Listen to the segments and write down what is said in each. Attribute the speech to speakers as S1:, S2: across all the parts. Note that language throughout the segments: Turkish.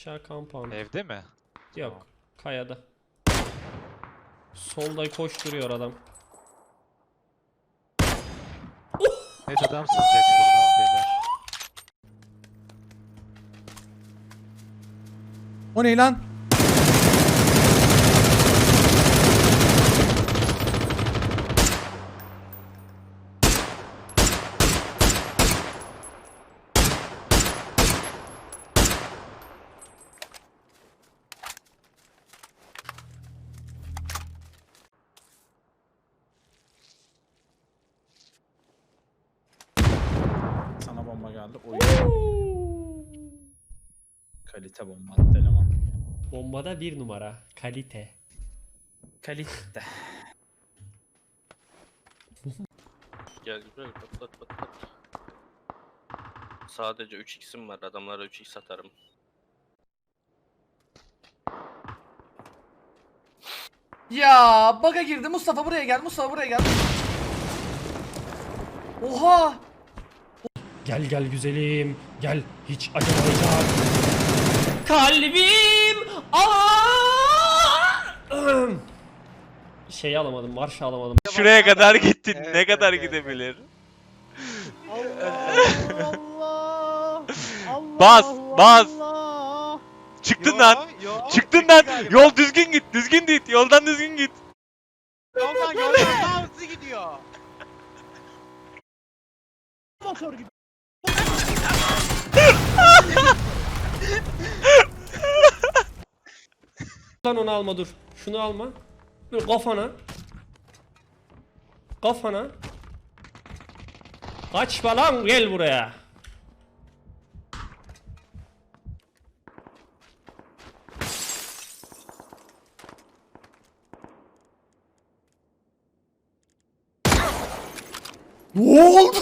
S1: Aşağı compound.
S2: Evde mi?
S1: Yok.
S2: Tamam.
S1: Kayada. Solda koşturuyor adam.
S2: Net adam sızacak şuradan beyler.
S3: O ne lan?
S4: Sana bomba geldi. Oy. Kalite bomba attı eleman.
S1: Bombada bir numara. Kalite.
S4: Kalite.
S5: Gel güzel pat pat pat pat. Sadece 3x'im var, adamlara 3x atarım.
S6: Ya baga girdi. Mustafa buraya gel. Mustafa buraya gel. Oha!
S1: Gel gel güzelim. Gel. Hiç acımayacak. Kalbim. Şeyi alamadım. Marşı alamadım.
S2: Şuraya kadar gittin. Ne kadar gidebilir? Bas, bas. Çıktın lan. Çıktın lan. Yol düzgün git. Düzgün git. Yoldan düzgün git.
S7: Yoldan daha hızlı gidiyor. Motor gibi.
S1: Lan onu alma dur. Şunu alma. Dur kafana. Kafana. Kaçma lan gel buraya.
S3: Ne oldu?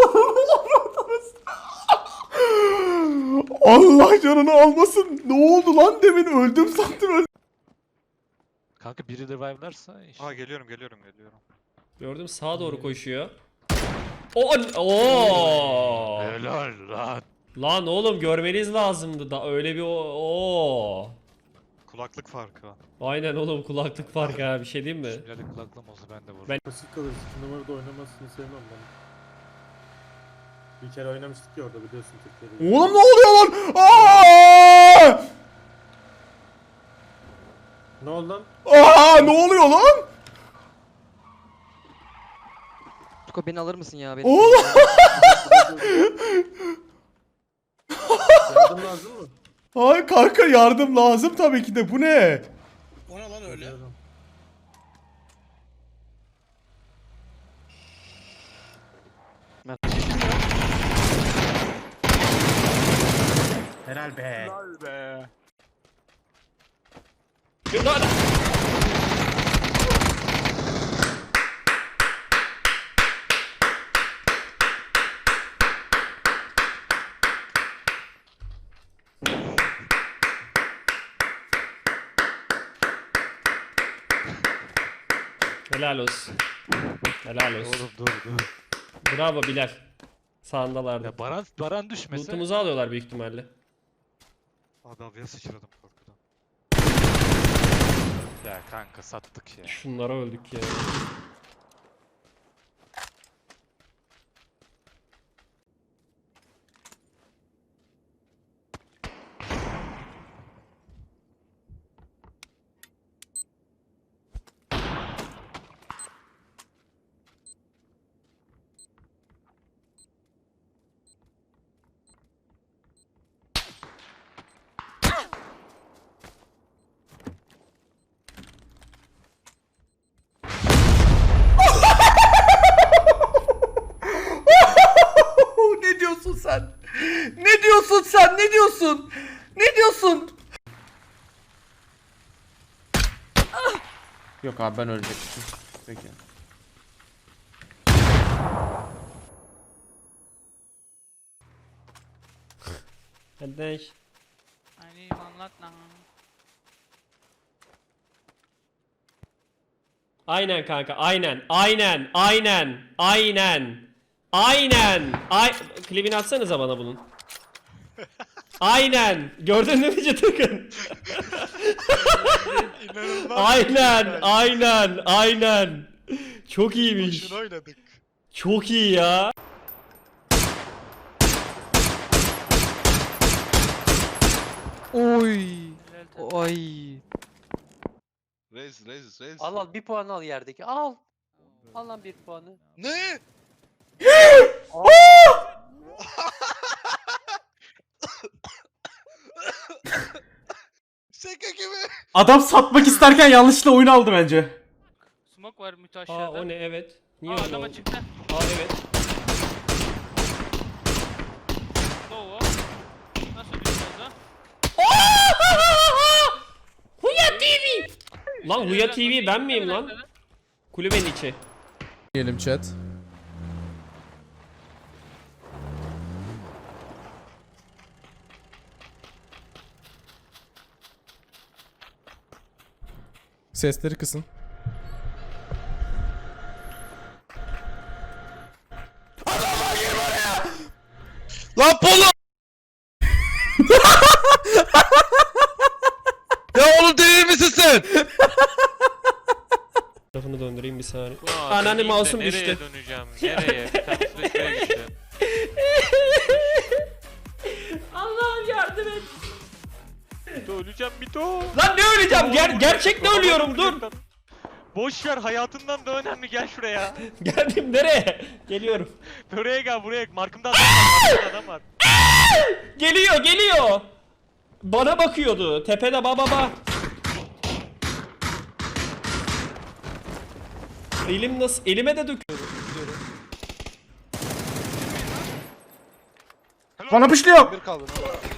S3: Allah canını almasın. Ne oldu lan demin öldüm sandım öldüm.
S2: Kanka biri revive'larsa iş.
S8: Aa geliyorum.
S1: Gördüm sağa doğru koşuyor. Oo.
S2: Helal lan.
S1: Lan oğlum görmeniz lazımdı da öyle bir o.
S8: Kulaklık farkı.
S1: Aynen oğlum kulaklık farkı ha bir şey diyeyim mi?
S2: Şimdilik kulaklığım olsa ben de vururum.
S1: Ben-
S9: Basit kalır. 2 numarada oynamasını sevmem ben. Bir kere oynamıştık ya orada biliyorsun Türkiye'de.
S3: Oğlum ne oluyor lan? Aa!
S9: Ne oldu lan?
S3: Aa ne oluyor lan?
S10: Tuko beni alır mısın ya?
S3: Oğlum.
S9: Yardım lazım mı?
S3: Ay kanka yardım lazım tabii ki de bu ne?
S7: O ne lan öyle?
S9: Yardım.
S4: Helal be.
S7: Helal be.
S1: Lan! Helal olsun. Helal olsun.
S2: Oğlum dur.
S1: Bravo Bilal. Sağındalardı.
S2: Ya Baran düşmese.
S1: Loot'umuzu alıyorlar büyük ihtimalle.
S8: Abi havaya sıçradım korkudan.
S2: Ya kanka sattık ya.
S1: Şunlara öldük ya.
S6: Ne diyorsun sen? Ne diyorsun sen? Ne diyorsun? Ne diyorsun?
S3: Yok abi ben ölecektim. Peki.
S1: Kardeş.
S7: Hani anlat lan.
S1: Aynen kanka aynen. Aynen. Klibini atsanıza bana bunun. Aynen. Gördün mü Cıtıkın?
S8: İnanılmaz.
S1: Aynen. Çok iyiymiş.
S8: Boşuna oynadık.
S1: Çok iyi ya.
S10: Oy. Ay.
S8: Rez.
S10: Al bir puan al yerdeki. Al. Al lan bir puanı.
S8: Ne? Şaka gibi.
S3: Adam satmak isterken yanlışlıkla oyun aldı bence.
S7: Smoke var mütü
S1: Aa
S7: aşağıda.
S1: o ne evet. Niye
S7: Aa
S1: öyle
S7: adama
S1: oldu?
S7: çıktı.
S1: Aa evet.
S7: Ne o? Nasıl düşmez ha?
S1: Huya TV. Lan Huya TV ben miyim lan? Kulübenin içi.
S3: Diyelim chat. Sesleri kısın.
S2: Lan Polo! Ya oğlum değil misin sen?
S1: Tarafını döndüreyim bir saniye.
S2: Ulan,
S1: Anneanne
S2: döneyim de
S1: mouse'um
S2: nereye
S1: düştü.
S2: döneceğim? Nereye? Bir tanesi de şuraya gitti.
S1: Allah'ım yardım et.
S2: Mito öleceğim Mito.
S1: Lan ne öleceğim? Gerçekten ölüyorum dur.
S2: Boş ver hayatından da önemli gel şuraya.
S1: Geldim nereye? Geliyorum.
S2: Buraya gel buraya. Markımda adam var. Markımda adam var.
S1: Geliyor. Bana bakıyordu. Tepede baba. Elim nasıl? Elime de döküyor.
S3: Bana pışlıyor.
S8: Bir kaldı.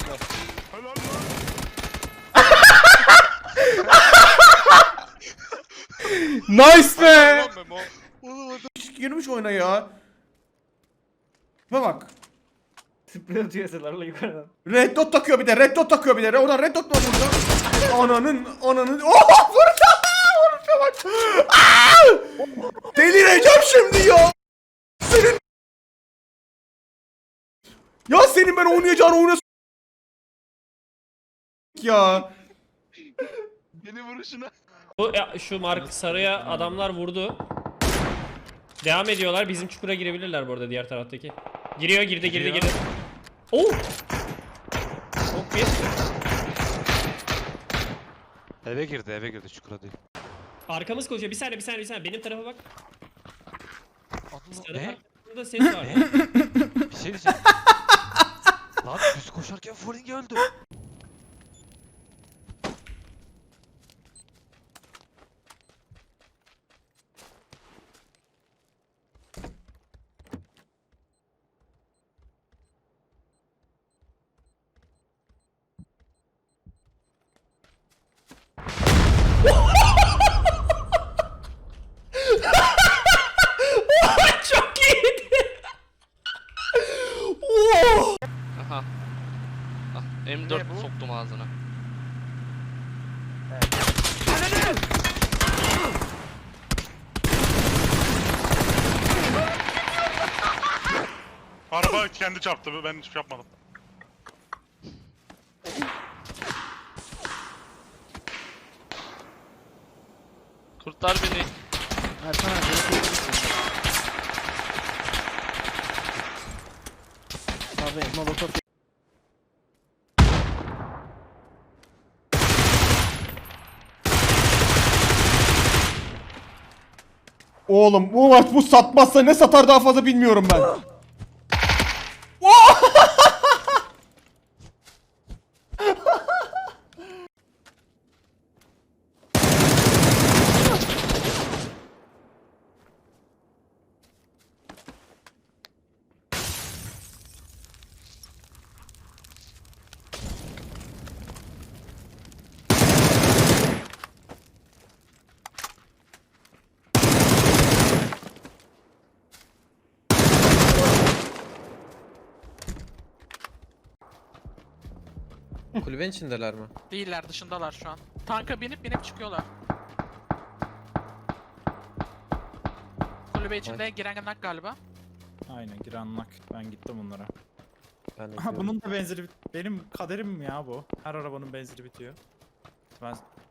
S3: Nice be.
S8: Memo.
S3: Girmiş oyuna ya. Bak.
S4: Sprey atıyor eserlerle yukarıdan.
S3: Red dot takıyor bir de. Oradan red dot mu vurdu? Ananın. Oh vurdu. Vuruşa bak. Aa! Delireceğim şimdi ya. Senin ben oynayacağın oyuna ya.
S8: Beni vuruşuna.
S1: Şu Mark Sarı'ya adamlar vurdu. Devam ediyorlar. Bizim çukura girebilirler bu arada diğer taraftaki. Girdi. Oh! Çok bir.
S2: Eve girdi çukura değil.
S1: Arkamız koşuyor. Bir saniye. Benim tarafa bak. Sarı
S2: Ne?
S1: tarafında ses var.
S2: Bir şey diyeceğim. Lan düz koşarken Falling öldü.
S1: Çok iyiydi.
S5: Aha. Ah, M4 soktum ağzına.
S8: Araba kendi çarptı. Ben hiçbir şey yapmadım.
S5: Kurtar beni.
S3: Oğlum bu maç bu satmazsa ne satar daha fazla bilmiyorum ben.
S10: Kulübenin içindeler mi?
S7: Değiller dışındalar şu an. Tanka binip çıkıyorlar. Kulübe içinde giren nak galiba.
S4: Aynen giren nak. Ben gittim bunlara.
S9: Ben de
S4: Aha bunun da benzeri benim kaderim ya bu. Her arabanın benzeri bitiyor. Ben